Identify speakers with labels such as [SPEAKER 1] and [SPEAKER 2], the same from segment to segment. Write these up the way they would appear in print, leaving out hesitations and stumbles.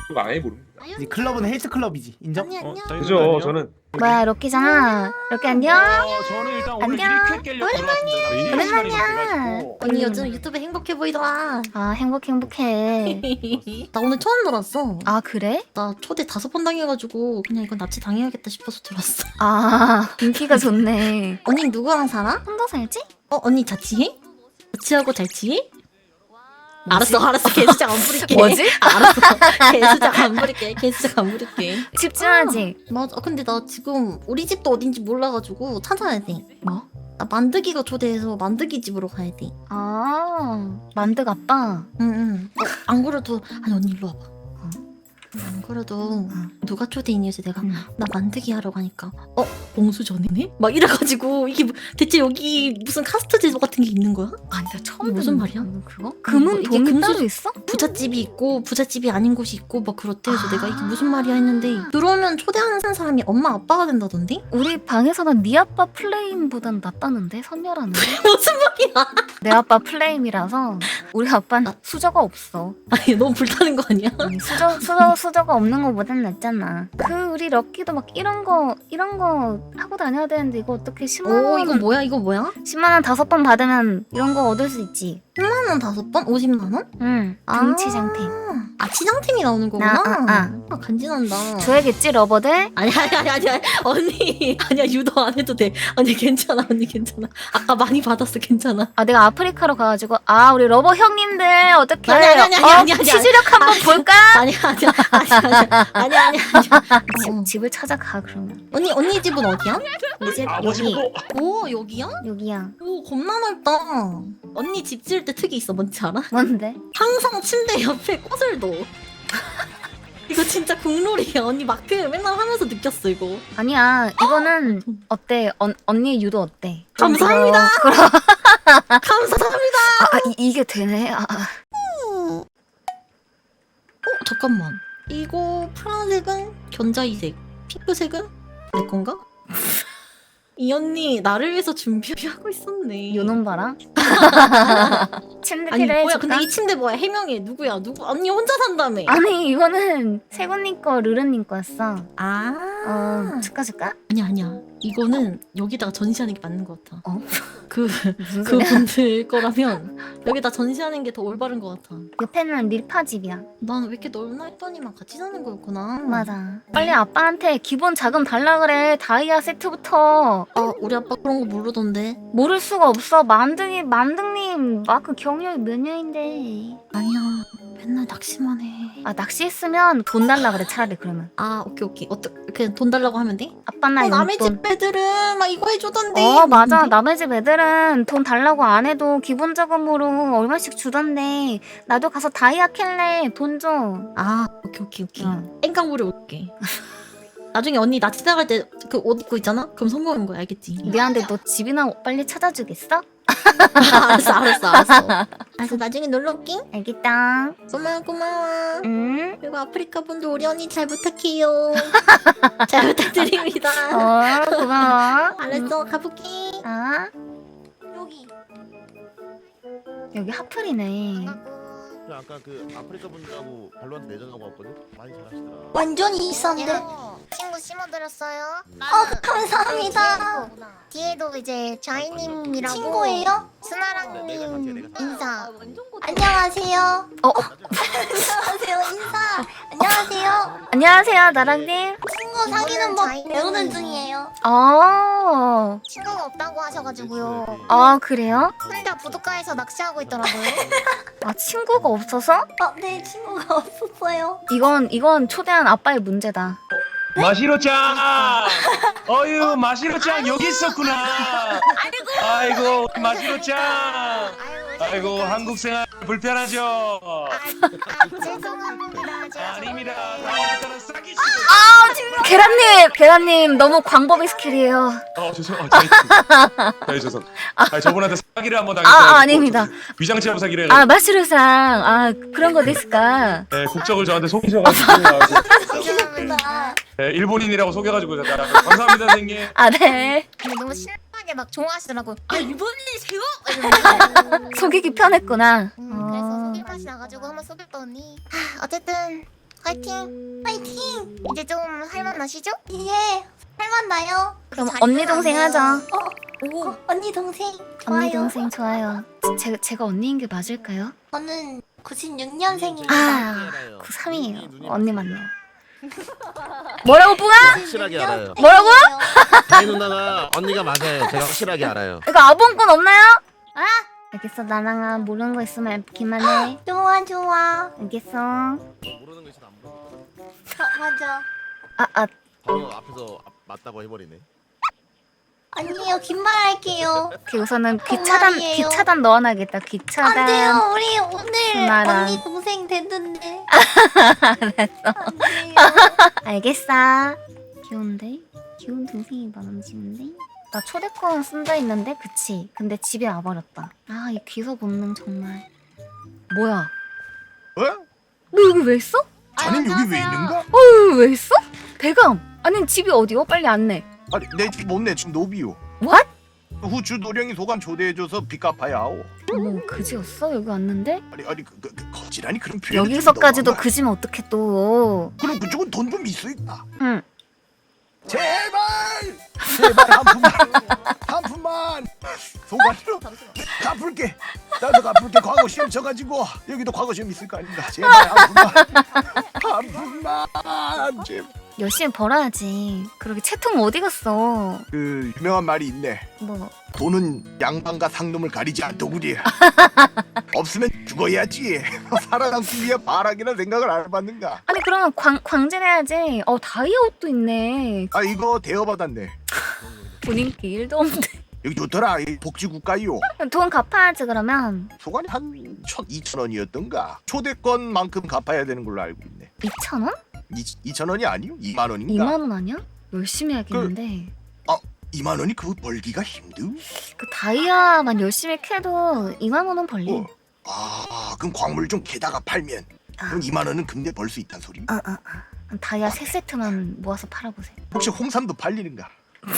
[SPEAKER 1] 그거 아예 모릅니다.
[SPEAKER 2] 이 클럽은 헬스 클럽이지. 인정?
[SPEAKER 3] 언니 안녕.
[SPEAKER 1] 그죠? 저는
[SPEAKER 4] 뭐야 럭키잖아. 럭키 안녕?
[SPEAKER 5] 저는 일단 오늘
[SPEAKER 4] 안녕.
[SPEAKER 5] 1회 깨려고 들어왔습니다.
[SPEAKER 4] 오랜만이야.
[SPEAKER 3] 언니 요즘 유튜브 행복해 보이더라.
[SPEAKER 4] 아 행복해.
[SPEAKER 3] 나 오늘 처음 놀았어.
[SPEAKER 4] 아 그래?
[SPEAKER 3] 나 초대 5번 당해가지고 그냥 이건 납치 당해야겠다 싶어서 들어왔어.
[SPEAKER 4] 아 인기가 좋네.
[SPEAKER 3] 언니 누구랑 살아?
[SPEAKER 4] 혼자 살지?
[SPEAKER 3] 언니 자취해? 자취하고 잘 지해? 알았어 개수작 안 부릴게.
[SPEAKER 4] 뭐지?
[SPEAKER 3] 알았어 개수작 안 부릴게. 개수작 안 부릴게.
[SPEAKER 4] 집중하지.
[SPEAKER 3] 맞아. 근데 나 지금 우리 집도 어딘지 몰라가지고 찾아야 돼.
[SPEAKER 4] 뭐?
[SPEAKER 3] 나 만드기가 초대해서 만드기 집으로 가야 돼.
[SPEAKER 4] 아 만득 아빠.
[SPEAKER 3] 응응. 안 그래도 아니 언니 일로 와봐. 안 그래도 누가 초대했니 해서 내가 나 만드기 하러 가니까 봉수 전이네? 막 이래가지고 이게 대체 여기 무슨 카스트 제도 같은 게 있는 거야?
[SPEAKER 4] 아니 나 처음
[SPEAKER 3] 이게 무슨
[SPEAKER 4] 듣는
[SPEAKER 3] 말이야?
[SPEAKER 4] 그거? 금은
[SPEAKER 3] 이게
[SPEAKER 4] 돈이
[SPEAKER 3] 금수-
[SPEAKER 4] 따로 있어?
[SPEAKER 3] 부잣집이 있고 부잣집이 아닌 곳이 있고 막 그렇대. 그래서
[SPEAKER 4] 아.
[SPEAKER 3] 내가 이게 무슨 말이야 했는데 들어오면 초대하는 사람이 엄마 아빠가 된다던데?
[SPEAKER 4] 우리 방에서는 네 아빠 플레임보단 낫다는데 선녀라는데.
[SPEAKER 3] 무슨 말이야?
[SPEAKER 4] 내 아빠 플레임이라서 우리 아빠는 수저가 없어.
[SPEAKER 3] 아니 너무 불타는 거 아니야?
[SPEAKER 4] 아니, 수저가 없는 거보단 낫잖아. 그 우리 럭키도 막 이런 거 하고 다녀야 되는데 이거 어떻게 10만
[SPEAKER 3] 오
[SPEAKER 4] 원
[SPEAKER 3] 이거 뭐야 이거 뭐야?
[SPEAKER 4] 10만 원 5번 받으면 이런 거 얻을 수 있지.
[SPEAKER 3] 10만 원 5번? 50만 원?
[SPEAKER 4] 응. 등치장템.
[SPEAKER 3] 아 치장템이 나오는 거구나.
[SPEAKER 4] 아.
[SPEAKER 3] 간지난다.
[SPEAKER 4] 줘야겠지 러버들?
[SPEAKER 3] 아니 언니 아니야 유도 안 해도 돼. 언니 괜찮아 언니 괜찮아. 아까 많이 받았어 괜찮아.
[SPEAKER 4] 아 내가 아프리카로 가가지고 우리 러버 형님들 어떻게
[SPEAKER 3] 아니.
[SPEAKER 4] 치즈력 한번 볼까?
[SPEAKER 3] 아니야.
[SPEAKER 4] 집을 찾아가 그러면.
[SPEAKER 3] 언니 집은 어디야?
[SPEAKER 4] 우리 집
[SPEAKER 1] 아버지
[SPEAKER 4] 여기
[SPEAKER 1] 보고
[SPEAKER 3] 오 여기야?
[SPEAKER 4] 여기야.
[SPEAKER 3] 오 겁나 넓다. 언니 집 지을 때 특이 있어 뭔지 알아?
[SPEAKER 4] 뭔데?
[SPEAKER 3] 항상 침대 옆에 꽃을 둬. 이거 진짜 국룰이야. 언니 마크 맨날 하면서 느꼈어 이거.
[SPEAKER 4] 아니야 이거는 어때? 언니의 유도 어때?
[SPEAKER 3] 감사합니다.
[SPEAKER 4] 그럼
[SPEAKER 3] 감사합니다.
[SPEAKER 4] 이게 되네.
[SPEAKER 3] 잠깐만. 이거 파란색은 견자이색, 핑크색은 내 건가? 이 언니 나를 위해서 준비하고 있었네.
[SPEAKER 4] 요놈 봐라. 침대
[SPEAKER 3] 아니
[SPEAKER 4] 필요해
[SPEAKER 3] 뭐야?
[SPEAKER 4] 줄까?
[SPEAKER 3] 근데 이 침대 뭐야? 해명해. 누구야? 누구? 언니 혼자 산다며.
[SPEAKER 4] 아니 이거는 세곤님 거 르르님 거였어.
[SPEAKER 3] 아.
[SPEAKER 4] 줄까?
[SPEAKER 3] 아니야. 이거는 여기다가 전시하는 게 맞는 것 같아. 그
[SPEAKER 4] 무슨 소리야?
[SPEAKER 3] 그분들 거라면 여기다 전시하는 게 더 올바른 것 같아.
[SPEAKER 4] 옆에는 릴파 집이야.
[SPEAKER 3] 난 왜 이렇게 넓나 했더니만 같이 사는 거였구나.
[SPEAKER 4] 맞아. 빨리 아빠한테 기본 자금 달라 그래. 다이아 세트부터.
[SPEAKER 3] 우리 아빠 그런 거 모르던데.
[SPEAKER 4] 모를 수가 없어. 만등님 마크 경력이 몇 년인데.
[SPEAKER 3] 아니야. 맨날 낚시만 해.
[SPEAKER 4] 낚시했으면 돈 달라 그래 차라리 그러면.
[SPEAKER 3] 오케이. 어떻게 돈 달라고 하면 돼?
[SPEAKER 4] 아빠 나
[SPEAKER 3] 남의
[SPEAKER 4] 용돈.
[SPEAKER 3] 집 애들은 막 이거 해주던데.
[SPEAKER 4] 맞아. 남의 집 애들은 돈 달라고 안 해도 기본 자금으로 얼마씩 주던데 나도 가서 다이아 캘래. 돈 줘.
[SPEAKER 3] 오케이.
[SPEAKER 4] 응.
[SPEAKER 3] 땡깡부리 올게. 나중에 언니 나 지나갈 때 그 옷 입고 있잖아? 그럼 성공한 거야, 알겠지?
[SPEAKER 4] 미안한데 너 집이나 빨리 찾아주겠어?
[SPEAKER 3] 알았어. 나중에 놀러 올게.
[SPEAKER 4] 알겠다.
[SPEAKER 3] 고마워.
[SPEAKER 4] 응?
[SPEAKER 3] 그리고 아프리카 분들 우리 언니 잘 부탁해요. 잘 부탁드립니다.
[SPEAKER 4] 고마워.
[SPEAKER 3] 알았어, 가볼게.
[SPEAKER 4] 여기. 여기 하플이네.
[SPEAKER 6] 아까 그 아프리카 분들하고 발로한테 내전하고 왔거든? 많이 잘하시더라.
[SPEAKER 3] 완전히 이상한데.
[SPEAKER 7] 친구 심어드렸어요.
[SPEAKER 3] 감사합니다.
[SPEAKER 7] 뒤에도 이제 자이님이라고
[SPEAKER 3] 친구예요?
[SPEAKER 7] 스나랑님 인사.
[SPEAKER 3] 안녕하세요.
[SPEAKER 7] 안녕하세요 인사. 안녕하세요.
[SPEAKER 4] 안녕하세요 나랑님.
[SPEAKER 7] 친구 사귀는 법 배우는 중이에요. 친구가 없다고 하셔가지고요.
[SPEAKER 4] 그래요?
[SPEAKER 7] 혼자 부둣가에서 낚시하고 있더라고요.
[SPEAKER 4] 친구가 없어서?
[SPEAKER 3] 네, 친구가 없었어요.
[SPEAKER 4] 이건 초대한 아빠의 문제다.
[SPEAKER 5] 마시로짱! 어유 마시로짱 여기 있었구나. 아이고 마시로짱. 아이고 한국 생활 불편하죠.
[SPEAKER 7] 죄송합니다. 제가
[SPEAKER 5] 아닙니다. 다음부터는 싸기시고.
[SPEAKER 4] 계란님 너무 광범위 스킬이에요.
[SPEAKER 1] 죄송. 저분한테 사기를 한번 당했어요.
[SPEAKER 4] 아닙니다.
[SPEAKER 1] 위장치하고 사기를.
[SPEAKER 4] 마시루상 그런 거 됐을까?
[SPEAKER 1] 네, 국적을 저한테 속이셔가지고.
[SPEAKER 7] 죄송합니다.
[SPEAKER 1] 네, 일본인이라고 속여가지고 감사합니다 선생님.
[SPEAKER 4] 네.
[SPEAKER 7] 근데 너무 신나게 막 좋아하시더라고.
[SPEAKER 3] 일본인이세요?
[SPEAKER 4] 속이기 편했구나.
[SPEAKER 7] 그래서 속일 맛이 나가지고 한번 속였더니 어쨌든 파이팅.
[SPEAKER 8] 파이팅!
[SPEAKER 7] 이제 좀 할만하시죠?
[SPEAKER 8] 예, 할만나요?
[SPEAKER 4] 그럼
[SPEAKER 7] 잘
[SPEAKER 4] 언니 동생
[SPEAKER 7] 일어나세요.
[SPEAKER 4] 하자.
[SPEAKER 8] 오, 언니 동생.
[SPEAKER 4] 언니
[SPEAKER 8] 좋아요.
[SPEAKER 4] 동생 좋아요. 제가 언니인 게 맞을까요?
[SPEAKER 8] 저는 96년생입니다.
[SPEAKER 4] 아, 93이에요. 언니 맞네요. 뭐라고 뿡아?
[SPEAKER 6] 확실하게 알아요.
[SPEAKER 4] 뭐라고?
[SPEAKER 6] 다희 누나가 언니가 맞아요. 제가 확실하게 알아요.
[SPEAKER 4] 이거 아봉권 없나요? 아? 알겠어 나랑아 모르는 거 있으면 알기만 해.
[SPEAKER 8] 좋아, 좋아.
[SPEAKER 4] 알겠어.
[SPEAKER 6] 모르는 거 있으면 안 물어봐.
[SPEAKER 8] 맞아.
[SPEAKER 4] 아
[SPEAKER 6] 앞에서 맞다고 해버리네.
[SPEAKER 8] 아니에요, 긴 말 할게요.
[SPEAKER 4] 오케이 우선은
[SPEAKER 8] 정말이에요.
[SPEAKER 4] 귀차단 넣어놔야겠다.
[SPEAKER 8] 안
[SPEAKER 4] 귀차단.
[SPEAKER 8] 돼요, 우리 오늘
[SPEAKER 4] 순아랑.
[SPEAKER 8] 언니 동생 됐는데.
[SPEAKER 4] 알았어.
[SPEAKER 8] 안 돼요.
[SPEAKER 4] 알겠어. 귀여운데? 귀여운 동생이 많아지는데? 나 초대권 쓴다 했는데 그치? 근데 집에 와버렸다. 아 이 귀서 본능 정말. 뭐야?
[SPEAKER 9] 어?
[SPEAKER 4] 너 여기 왜 있어?
[SPEAKER 9] 자넨 여기 왜 있는가?
[SPEAKER 4] 여기 왜 있어? 대감! 아니 집이 어디요? 빨리 안내.
[SPEAKER 9] 아니 내 집 못내 지금 노비요.
[SPEAKER 4] What?
[SPEAKER 9] 후추 노령이 소감 초대해줘서 빚 갚아야 하오.
[SPEAKER 4] 어머 그지였어? 여기 왔는데?
[SPEAKER 9] 아니 거지라니 그런 표현.
[SPEAKER 4] 여기서까지도 그지면 어떡해 또.
[SPEAKER 9] 그럼 그쪽은 돈 좀 있어 있다.
[SPEAKER 4] 응.
[SPEAKER 9] 제발 한 푼만 소관으로 갚을게. 나도 갚을게. 과거 시험 쳐가지고 여기도 과거 시험 있을 거 아닌가. 제발 한 푼만 제발.
[SPEAKER 4] 열심히 벌어야지. 그러게 채통 어디 갔어?
[SPEAKER 9] 그 유명한 말이 있네.
[SPEAKER 4] 뭐
[SPEAKER 9] 돈은 양반과 상놈을 가리지 않더구리. 없으면 죽어야지. 살아남기 위해 바락이나 생각을 안 해봤는가.
[SPEAKER 4] 아니 그러면 광질해야지. 다이아 옷도 있네.
[SPEAKER 9] 아 이거 대여받았네.
[SPEAKER 4] 본인 게 1도 없는데.
[SPEAKER 9] 여기 좋더라. 이 복지국가요.
[SPEAKER 4] 돈 갚아야지 그러면.
[SPEAKER 9] 소관이 한 1,200원이었던가. 초대권만큼 갚아야 되는 걸로 알고 있네.
[SPEAKER 4] 2,000원?
[SPEAKER 9] 2,000원이 아니요? 2만 원인가?
[SPEAKER 4] 2만 원 아니야? 열심히 해야겠는데.
[SPEAKER 9] 2만 원이 그거 벌기가 힘들?
[SPEAKER 4] 그 다이아만 열심히 캐도 2만 원은 벌리.
[SPEAKER 9] 그럼 광물 좀 캐다가 팔면
[SPEAKER 4] 아.
[SPEAKER 9] 그럼 2만 원은 금방 벌 수 있다는 소리?
[SPEAKER 4] 다이아 3세트만 모아서 팔아보세요.
[SPEAKER 9] 혹시 홍삼도 팔리는가?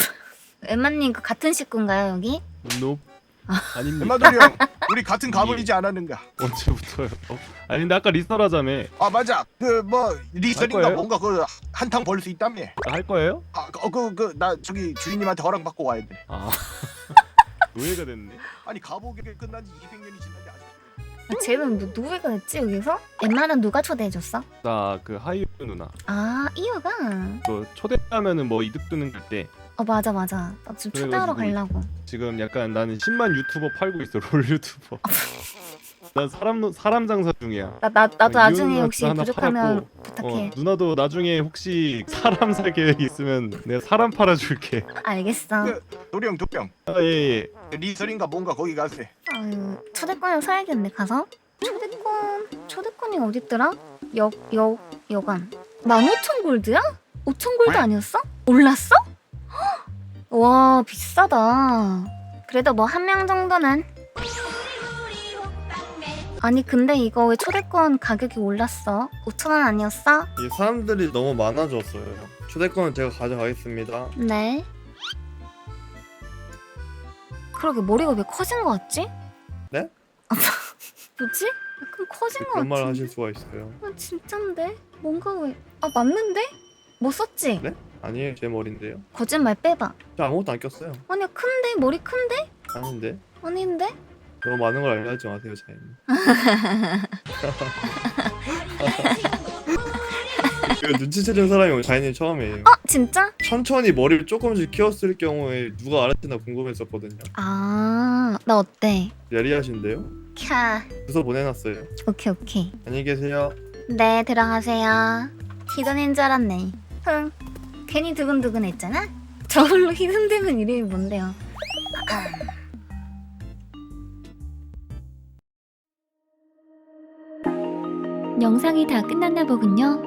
[SPEAKER 4] 엠마님 그 같은 식구인가요 여기?
[SPEAKER 5] 노 아닙니다.
[SPEAKER 9] 엠마돌이 형 우리 같은 가문이지 않았는가?
[SPEAKER 5] 언제부터요? 아니 근데 아까 리서라자며.
[SPEAKER 9] 아 맞아. 그 뭐 리설인가
[SPEAKER 5] 거예요?
[SPEAKER 9] 뭔가 그 한탕 벌 수 있다며.
[SPEAKER 5] 할 거예요?
[SPEAKER 9] 나 저기 주인님한테 허락 받고 와야 돼.
[SPEAKER 5] 아 노예가 됐네.
[SPEAKER 9] 아니 가보게 끝난 지 200년이 지났는데 아직.
[SPEAKER 4] 쟤는 누구가 됐지 여기서? 엠마는 누가 초대해줬어?
[SPEAKER 5] 나 그 하이유 누나.
[SPEAKER 4] 아 이유가?
[SPEAKER 5] 그 초대하면은 뭐 이득 뜨는 때.
[SPEAKER 4] 맞아. 나 지금 초대하러
[SPEAKER 5] 그래가지고
[SPEAKER 4] 가려고.
[SPEAKER 5] 지금 약간 나는 10만 유튜버 팔고 있어. 롤 유튜버. 난 사람 장사 중이야.
[SPEAKER 4] 나도 나중에
[SPEAKER 5] 이유는
[SPEAKER 4] 혹시
[SPEAKER 5] 하나
[SPEAKER 4] 부족하면
[SPEAKER 5] 팔았고,
[SPEAKER 4] 부탁해.
[SPEAKER 5] 누나도 나중에 혹시 사람 살 계획 있으면 내가 사람 팔아줄게.
[SPEAKER 4] 알겠어.
[SPEAKER 9] 도령
[SPEAKER 5] 예.
[SPEAKER 9] 리설인가 뭔가 거기 가세.
[SPEAKER 4] 아유 초대권을 사야겠네 가서. 초대권이 어딨더라? 여관 15,000골드야? 5,000골드 아니었어? 올랐어? 헉! 와 비싸다. 그래도 뭐 한 명 정도는. 아니 근데 이거 왜 초대권 가격이 올랐어? 5,000원 아니었어?
[SPEAKER 10] 이 사람들이 너무 많아졌어요. 초대권은 제가 가져가겠습니다.
[SPEAKER 4] 네. 그러게 머리가 왜 커진 거 같지?
[SPEAKER 10] 네?
[SPEAKER 4] 뭐지? 약간 커진 거
[SPEAKER 10] 그런 말
[SPEAKER 4] 같은데?
[SPEAKER 10] 하실 수가 있어요.
[SPEAKER 4] 진짠데? 뭔가 왜... 맞는데? 뭐 썼지?
[SPEAKER 10] 네? 아니에요, 제 머리인데요.
[SPEAKER 4] 거짓말 빼봐.
[SPEAKER 10] 저 아무것도 안 꼈어요.
[SPEAKER 4] 아니야 큰데? 머리 큰데?
[SPEAKER 10] 아닌데?
[SPEAKER 4] 아닌데?
[SPEAKER 10] 너무 많은 걸 알려하지 마세요, 자인. 이거 눈치채는 사람이 자인이 처음이에요.
[SPEAKER 4] 진짜?
[SPEAKER 10] 천천히 머리를 조금씩 키웠을 경우에 누가 알았지나 궁금했었거든요.
[SPEAKER 4] 나 어때?
[SPEAKER 10] 예리하신데요?
[SPEAKER 4] 캬
[SPEAKER 10] 주소 보내놨어요.
[SPEAKER 4] 오케이
[SPEAKER 10] 안녕히 계세요.
[SPEAKER 4] 네 들어가세요. 히든인 줄 알았네. 흥 괜히 두근두근 했잖아? 저걸로 히든되면 이름이 뭔데요?
[SPEAKER 11] 영상이 다 끝났나 보군요.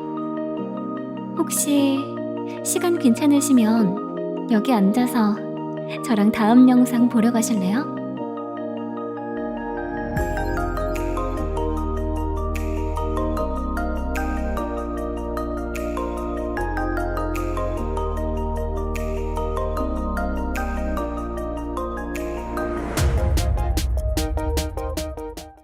[SPEAKER 11] 혹시 시간 괜찮으시면 여기 앉아서 저랑 다음 영상 보러 가실래요?